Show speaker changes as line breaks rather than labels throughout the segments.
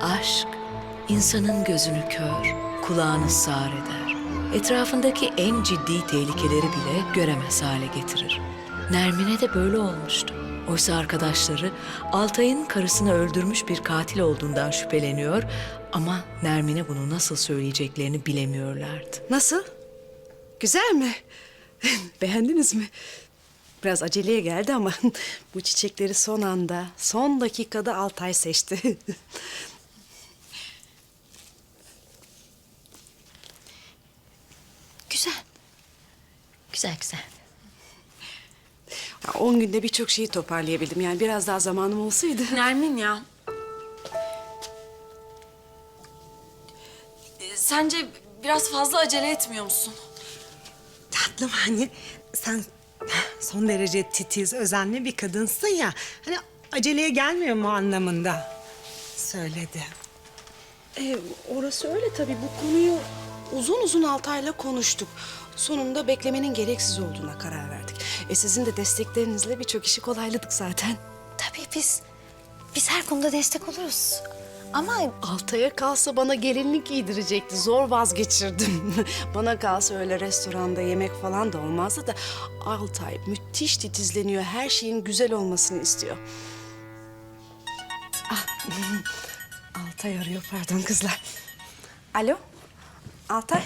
Aşk, insanın gözünü kör, kulağını sağır eder. Etrafındaki en ciddi tehlikeleri bile göremez hale getirir. Nermin'e de böyle olmuştu. Oysa arkadaşları Altay'ın karısını öldürmüş bir katil olduğundan şüpheleniyor ama Nermin'e bunu nasıl söyleyeceklerini bilemiyorlardı.
Nasıl? Güzel mi? Beğendiniz mi? Biraz aceleye geldi ama bu çiçekleri son anda, son dakikada Altay seçti.
Güzel. Güzel güzel.
10 günde birçok şeyi toparlayabildim. Yani biraz daha zamanım olsaydı.
Nermin ya. Sence biraz fazla acele etmiyor musun?
Tatlım hani sen son derece titiz, özenli bir kadınsın ya. Hani aceleye gelmiyor mu anlamında söyledi.
Orası öyle tabii. Bu konuyu uzun uzun Altay'la konuştuk. Sonunda beklemenin gereksiz olduğuna karar verdik. Sizin de desteklerinizle birçok işi kolayladık zaten.
Tabii biz her konuda destek oluruz. Ama
Altay'a kalsa bana gelinlik giydirecekti. Zor vazgeçirdim. Bana kalsa öyle restoranda yemek falan da olmazdı da... Altay müthiş titizleniyor. Her şeyin güzel olmasını istiyor. Ah, Altay arıyor, pardon kızlar. Alo, Altay.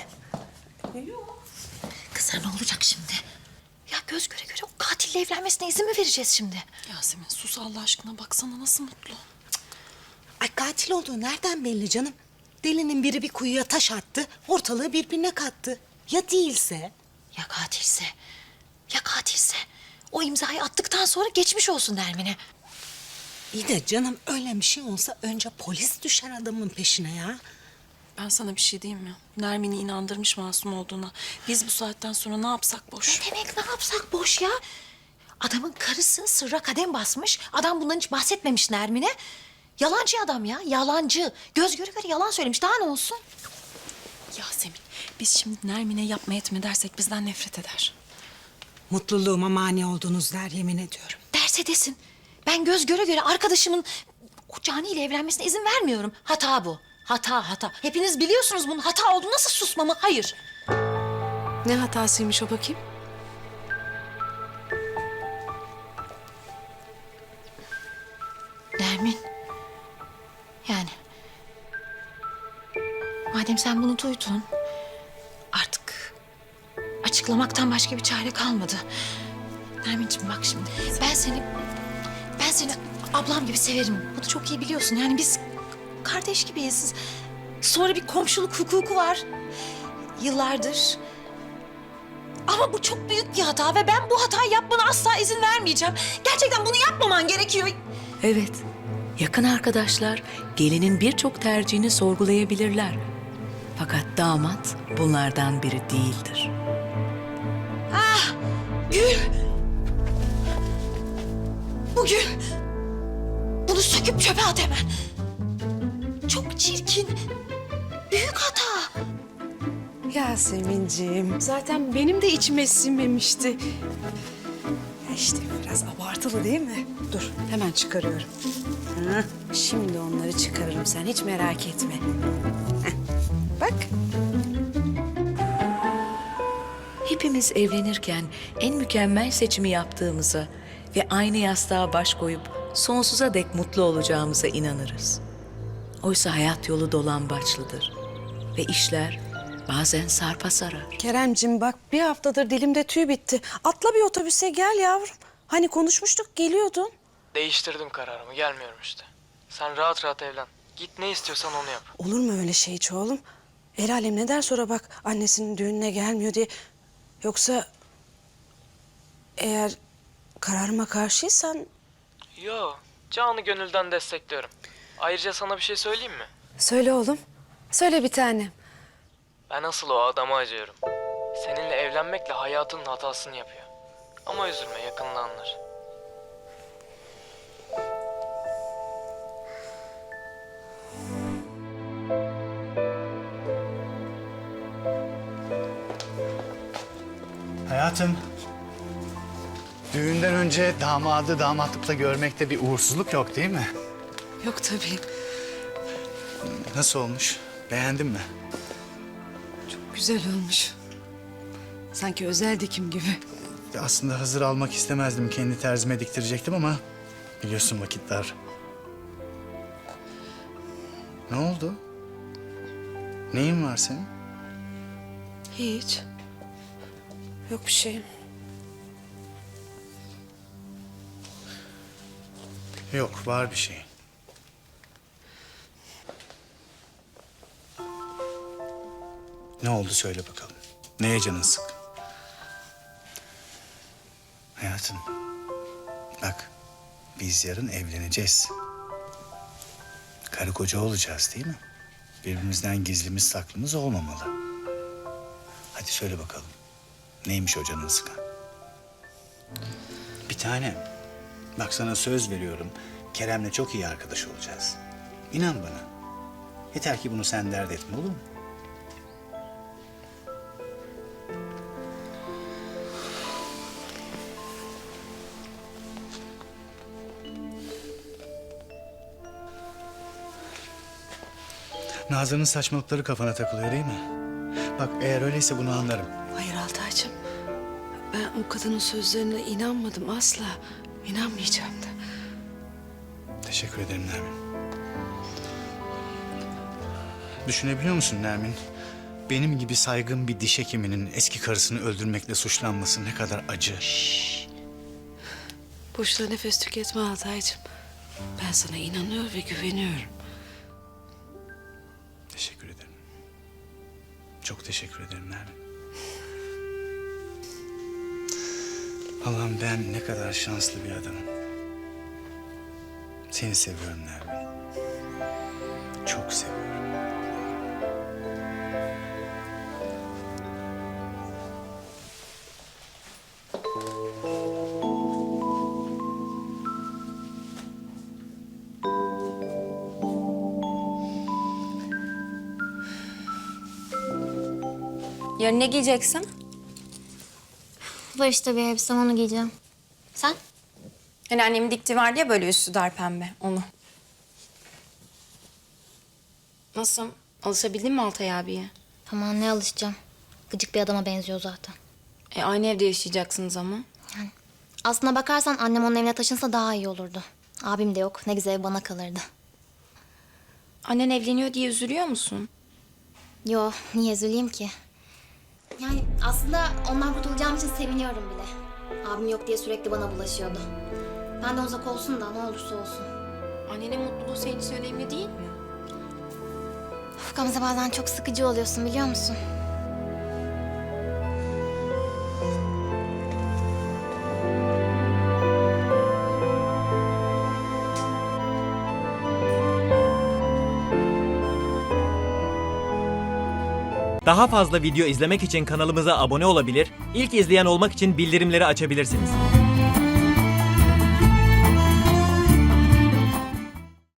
kızlar ne olacak şimdi? Ya göz göre göre o katille evlenmesine izin mi vereceğiz şimdi?
Yasemin sus Allah aşkına, baksana nasıl mutlu.
Ay katil olduğu nereden belli canım? Delinin biri bir kuyuya taş attı, ortalığı birbirine kattı. Ya değilse?
Ya katilse? Ya katilse? O imzayı attıktan sonra geçmiş olsun Nermin'e.
İyi de canım öyle bir şey olsa önce polis düşer adamın peşine ya.
Ben sana bir şey diyeyim mi? Nermin'i inandırmış masum olduğuna. Biz bu saatten sonra ne yapsak boş.
Ne demek ne yapsak boş ya? Adamın karısı sırra kadem basmış. Adam bundan hiç bahsetmemiş Nermin'e. Yalancı adam ya, yalancı. Göz göre göre yalan söylemiş. Daha ne olsun?
Yasemin, biz şimdi Nermin'e yapma etme dersek bizden nefret eder.
Mutluluğuma mani oldunuz der yemin ediyorum.
Derse desin. Ben göz göre göre arkadaşımın o Cani ile evlenmesine izin vermiyorum. Hata bu. Hata. Hepiniz biliyorsunuz bunun hata olduğunu. Nasıl susmamı? Hayır.
Ne hatasıymış o bakayım?
Nermin. Yani. Madem sen bunu duydun. Artık açıklamaktan başka bir çare kalmadı. Nermin'ciğim bak şimdi. Ben seni ablam gibi severim. Bunu çok iyi biliyorsun. Yani biz kardeş gibiyiz. Sonra bir komşuluk hukuku var. Yıllardır. Ama bu çok büyük bir hata ve ben bu hatayı yapmana asla izin vermeyeceğim. Gerçekten bunu yapmaman gerekiyor.
Evet, yakın arkadaşlar gelinin birçok tercihini sorgulayabilirler. Fakat damat bunlardan biri değildir.
Gül! Bu gül! Bunu söküp çöpe at hemen. Çok çirkin. Büyük hata.
Yasemin'ciğim, zaten benim de içime sinmemişti. Ya İşte biraz abartılı değil mi? Dur, hemen çıkarıyorum. Şimdi onları çıkarırım, sen hiç merak etme. Heh, bak.
Hepimiz evlenirken en mükemmel seçimi yaptığımıza ve aynı yastığa baş koyup sonsuza dek mutlu olacağımıza inanırız. Oysa hayat yolu dolambaçlıdır ve işler bazen sarpa sarar.
Keremcim bak, bir haftadır dilimde tüy bitti. Atla bir otobüse gel yavrum. Hani konuşmuştuk, geliyordun.
Değiştirdim kararımı, gelmiyorum işte. Sen rahat rahat evlen. Git ne istiyorsan onu yap.
Olur mu öyle şey hiç oğlum? El alem ne der sonra bak annesinin düğününe gelmiyor diye. Yoksa eğer kararıma karşıysan
Yo, canı gönülden destekliyorum. Ayrıca sana bir şey söyleyeyim mi?
söyle oğlum. Söyle bir tanem.
Ben asıl o adama acıyorum. Seninle evlenmekle hayatının hatasını yapıyor. Ama üzülme, yakında anlar.
Hayatım, düğünden önce damadı damatlıkta görmekte bir uğursuzluk yok değil mi?
Yok tabii.
Nasıl olmuş? Beğendin mi?
Güzel olmuş. Sanki özel dikim gibi.
Ya aslında hazır almak istemezdim. Kendi terzime diktirecektim ama biliyorsun vakit dar. Ne oldu? Neyin var senin?
Hiç. Yok bir şeyim.
Yok, var bir şey. Ne oldu söyle bakalım. Neye canın sık? Hayatım, bak biz yarın evleneceğiz. Karı koca olacağız değil mi? Birbirimizden gizlimiz saklımız olmamalı. Hadi söyle bakalım. Neymiş o canını sıkan? Bir tane. Bak sana söz veriyorum. Kerem'le çok iyi arkadaş olacağız. İnan bana. Yeter ki bunu sen dert etme, olur mu? Nazan'ın saçmalıkları kafana takılıyor değil mi? Bak eğer öyleyse bunu anlarım.
Hayır Altaycığım. Ben o kadının sözlerine inanmadım asla. İnanmayacağım da.
Teşekkür ederim Nermin. Düşünebiliyor musun Nermin? Benim gibi saygın bir diş hekiminin eski karısını öldürmekle suçlanması ne kadar acı.
Boşuna nefes tüketme Altaycığım. Ben sana inanıyor ve güveniyorum.
Teşekkür ederim. Çok teşekkür ederim Nermin. Allah'ım ben ne kadar şanslı bir adamım. Seni seviyorum Nermin. Çok seviyorum.
Yarın ne giyeceksin?
Var işte bir elbisem, onu giyeceğim. Sen?
Hani annemin diktiği vardı ya böyle üstü dar pembe, onu. Nasıl? Alışabildin mi Altay abiye?
Aman ne alışacağım. Gıcık bir adama benziyor zaten.
Aynı evde yaşayacaksınız ama.
Aslına bakarsan annem onun evine taşınsa daha iyi olurdu. Abim de yok. Ne güzel ev bana kalırdı.
Annen evleniyor diye üzülüyor musun?
Yo, niye üzüleyim ki? Yani aslında ondan kurtulacağım için seviniyorum bile. Abim yok diye sürekli bana bulaşıyordu. Benden uzak olsun da ne olursa olsun.
Annenin mutluluğu senin için önemli değil mi?
Of, Gamze bazen çok sıkıcı oluyorsun biliyor musun?
Daha fazla video izlemek için kanalımıza abone olabilir, ilk izleyen olmak için bildirimleri açabilirsiniz.